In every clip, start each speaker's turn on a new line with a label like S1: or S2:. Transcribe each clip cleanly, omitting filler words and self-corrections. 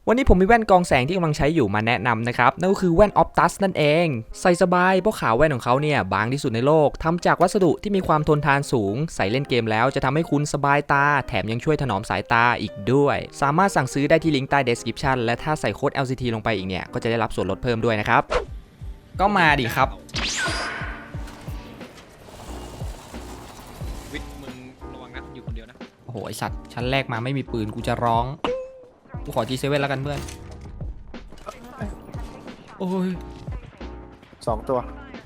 S1: วันนี้ผมมีแว่นกองแสงที่กำลังใช้อยู่มาแนะนำนะครับนั่นก็คือแว่น Optus นั่นเองใส่สบายเพราะขาวแว่นของเขาเนี่ยบางที่สุดในโลกทำจากวัสดุที่มีความทนทานสูงใส่เล่นเกมแล้วจะทำให้คุณสบายตาแถมยังช่วยถนอมสายตาอีกด้วยสามารถสั่งซื้อได้ที่ลิงก์ใต้ description และถ้าใส่โค้ด LCT ลงไปอีกเนี่ยก็จะได้รับส่วนลดเพิ่มด้วยนะครับก็มาดิครับ
S2: วิทย์มึงระวังนะอยู่คนเดียวนะ
S1: โอ้โหไอสัตว์ชั้นแรกมาไม่มีปืนกูจะร้องกูขอ G7 แล้วกันเพื่อนโอ้ย
S3: 2 ตัว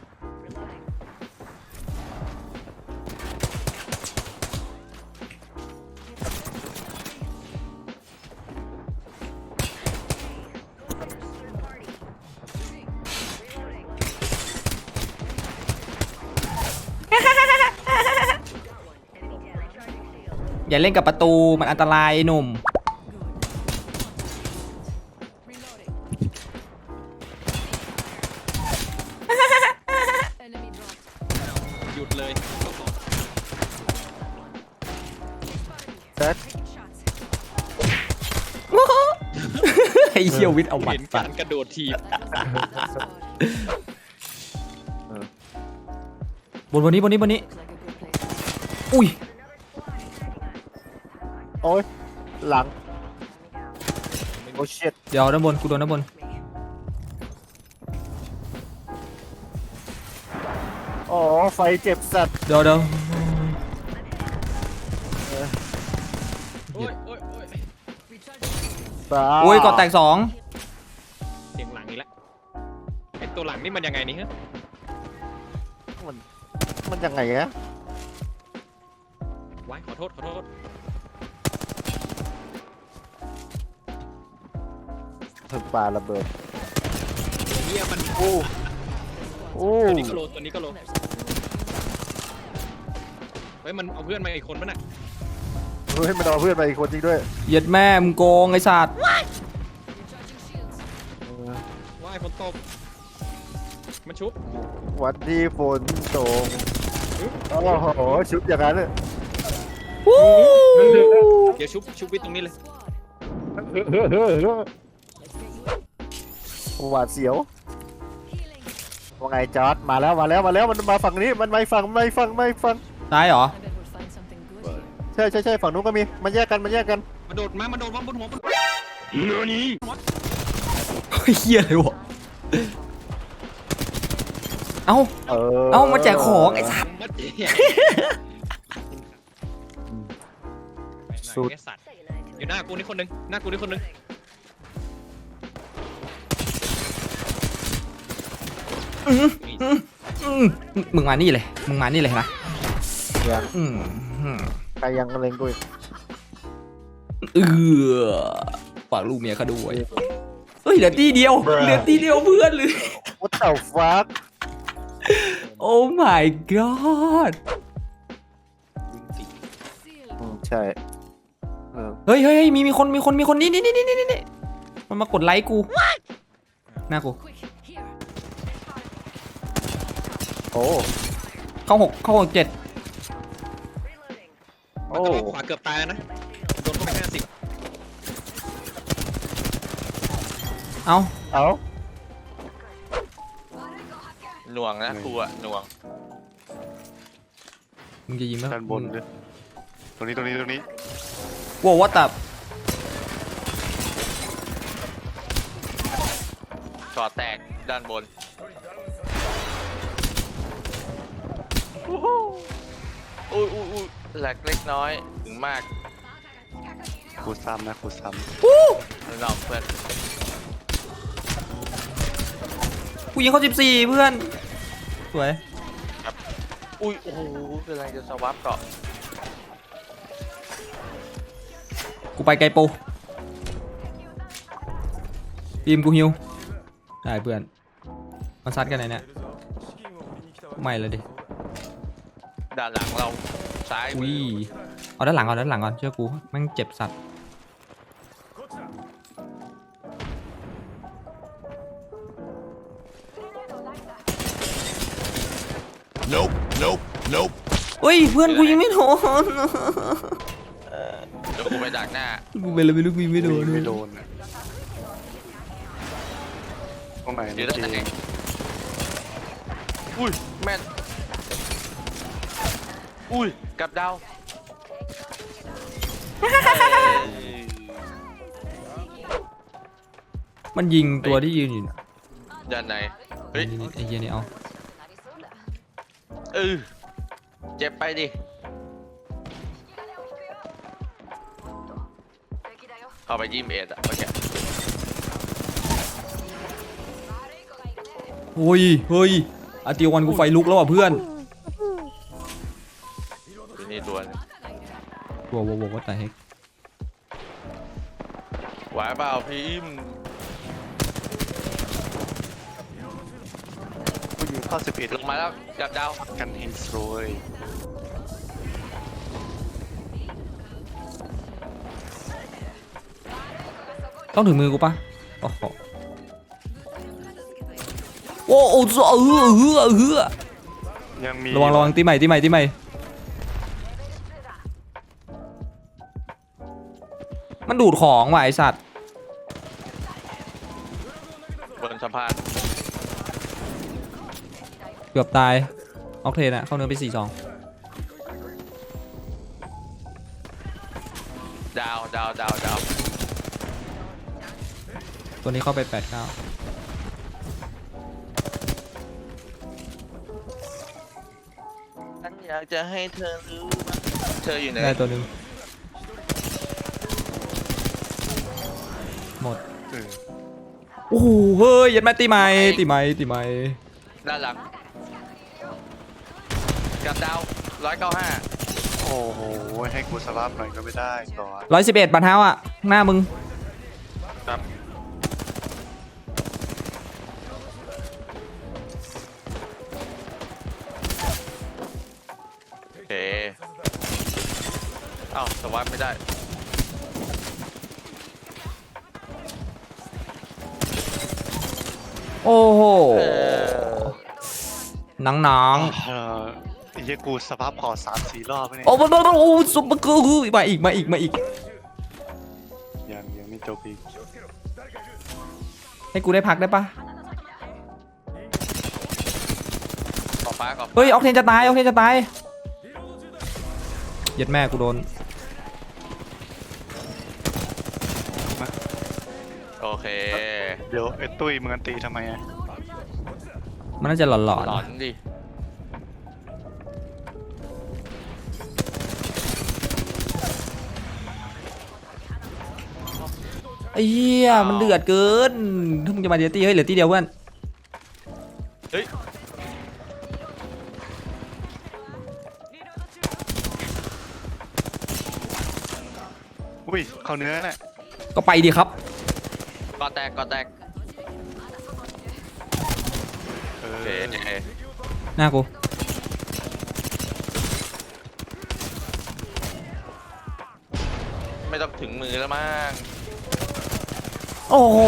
S1: อย่าเล่นกับประตูมันอันตรายหนุ่ม
S2: หยุดเลย
S3: เซ็ต
S1: ไอ้เหี้ยวิทย์เอาบัต
S2: เห็น
S1: ร
S2: การกระโดดทีบบ
S1: นนี้อุ้ย
S3: โอ้ยหลังโอ้ชิต
S1: เดี๋ยวด้านบนกูโดนด้านบน
S3: อ๋อไฟเจ็บสัตว์
S1: เดี๋ยว
S2: โอ้ยโอ้ยโอ้ย
S3: บ้า
S1: อุ้ยก่อแตก2
S2: เสียงหลังนี่แหละไอตัวหลังนี่มันยังไงนี่ฮะ
S3: มันยังไงอะ
S2: ไว้ขอโทษ
S3: ถึงปลาระเบิด
S2: ตัวเนี้ยมัน
S3: โอ้
S2: ตัวนี้ก็โลตัวนี้ก็โลเฮ้ยมันเอาเพื่อนมาอีกคนป่ะน่ะ
S3: เฮ้ยมันเอาเพื่อนไปอีกคนจริงด้วย
S1: เหยียดแม่มึงโกงไอ้สัตว์
S2: ว่ายฝนตกมันชุบ
S3: วันที่ฝนตกโอ้โหชุดอย่างนั้นเลย
S2: เดี๋ยวชุบวิทย์ตรงนี้เลย
S3: หวาดเสียวว่าไงจอร์ดมาแล้วมันมาฝั่งนี้มันไม่ฝั่ง
S1: ตายเหรอ
S3: ใช่ฝั่งนู้นก็มีมันแยกกัน
S2: มาโดดมาบนหัวบนนี่
S1: เฮียเลยวะเอ้ามาแจกของไอ้สัตว์
S2: มาเจ๊สุดสัตว์อยู่หน้ากูนี่คนนึง
S1: มึงมานี่เลยนะ
S3: ยัง
S1: อืม
S3: ใครยังเล็งกูอีก
S1: ฝากลูกเมียเขาด้วยเฮ้ยเหลือตีเดียวเพื่อนเลย
S3: What the fuck
S1: โอ้ my god
S3: ใช่
S1: เฮ้ยมีคนนี่มันมากดไลค์กูหน้ากู
S3: โอ้
S1: เข้า6 7
S3: โอ้
S2: ขวาเกือบตายแล้วนะโดนเข้าไป50
S1: เอา
S4: หน่วงนะครูอะหน่วง
S1: มึงจะยิงไหม
S5: ด้านบนด้วยตรงนี้
S1: ว้าววัตตับ
S4: ก่อแตกด้านบนอุ้ยแหลกเล็กน้อยถึงมาก
S5: ครูซ้ำ
S4: เราเพื่อน
S1: กูยิงเขา14เพื่อนสวย
S4: อุ้ยโอ้โหเป็นไรจะสวับเกาะ
S1: กูไปไกลปูทีมกูฮิวได้เพื่อนมาซัดกันไหนเนี่ยไม่เลยดิ
S4: ด้านหลังเราซ้ายมื
S1: อุ้ย
S4: อ
S1: เอาด้านหลังก่อนเชื่อกูแม่งเจ็บสัตว์
S5: Nope
S1: เฮ้ยเพื่อนกูยิงไม่โดน
S4: เดี๋ยวกูไปดักหน้า
S1: กูเป็นอะไรไม่รู้กูยิงไม่โดน
S5: ไม่โดนอะตรงไหน
S4: อยู่ด้านไหนอุ้ยแม่นอุ้ยกับดาว
S1: มันยิงตัวที่ยืนอยู่
S4: ด้านไหนเฮ้ย
S1: นี่ไอ้เหี้ยนี่เอา
S4: เจ็บไปดิเข้าไปยิมเอ็ดอะเมื่อกี้
S1: เฮ้ยอาติวันกูไฟลุกแล้วอ่ะเพื่อน
S4: ที่นี่ตัวนึง
S1: ว้าวว่าแต่เฮก
S4: ไหวเปล่าพิมพ์
S5: ผู้ยิงเข้า11
S4: ลงมาแล้วกับดาว
S5: กันเฮนสโรย
S1: ต้องถึงมือกูปะโอ้โหโอ้โห
S5: ยังมี
S1: ระวังตีใหม่มันดูดของว่ะไอสัตว์
S4: บนสะพาน
S1: เกือบตายออกเทนอะเข้าเนื้อไป4-2
S4: ดาว
S1: ตัวนี้เข้าไป8-9
S4: ฉันอยากจะให้เธอรู้ว่าเธออยู่ไหน
S1: ได้ตัวหนึ่งหมด โอ้โหเฮ้ยยัดแม่ตีใหม่
S4: ด้านหลังกับดาว195
S5: โอ้โหให้กูสลับหน่อยก็ไม่ได้ก่อน
S1: 111บันเท้าอ่ะหน้ามึง
S5: ครับ
S4: โอเคเอ้าสวัสดไม่ได้
S1: โอ้โห
S4: เออ
S1: หนัง
S5: ไอ้เหี้ยกูสภาพขอ3-4 รอบแล้วเนี่ย
S1: โอ้โหซุปเปอร์กูมาอีก
S5: ยังไม่จบอีก
S1: ให้กูได้พักได้ปะ
S4: ขอฟ้า
S1: เฮ้ยออกเทนจะตายยัดแม่กูโดน
S4: โอเค
S5: เดี๋ยวไอ้ตุ้ยมึงอันตีทำไมอ่ะ
S1: มันน่าจะหลอน
S4: หลอนดิ
S1: ไอ้เหี้ยมันเดือดเกินถ้ามึงจะมาเดียวตีเฮ้ยเหลือตีเดียวเพื่อน
S4: เฮ้ย
S5: อุ้ยเข้าเนื้อน่ะ
S1: ก็ไปดีครับ
S4: ก่อแตก
S5: เอ
S4: โอเค
S5: อ
S1: หน้ากู
S4: ไม่ต้องถึงมือแล้วมั้ง
S1: โอ้โห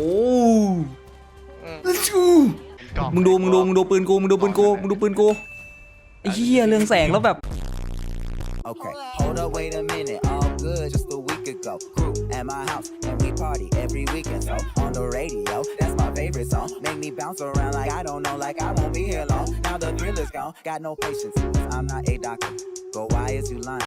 S4: อืม
S5: กล่อง
S1: มึงดูปืนกูไอ้เหี้ยเรืองแสงแล้วแบบ
S6: Okay, hold up, wait a minute. All good, just a week ago. Crew at my house, and we party every weekend. So on the radio, that's my favorite song. Make me bounce around like I don't know, like I won't be here long. Now the thrill is gone, got no patience. I'm not a doctor. Go, why is you lying?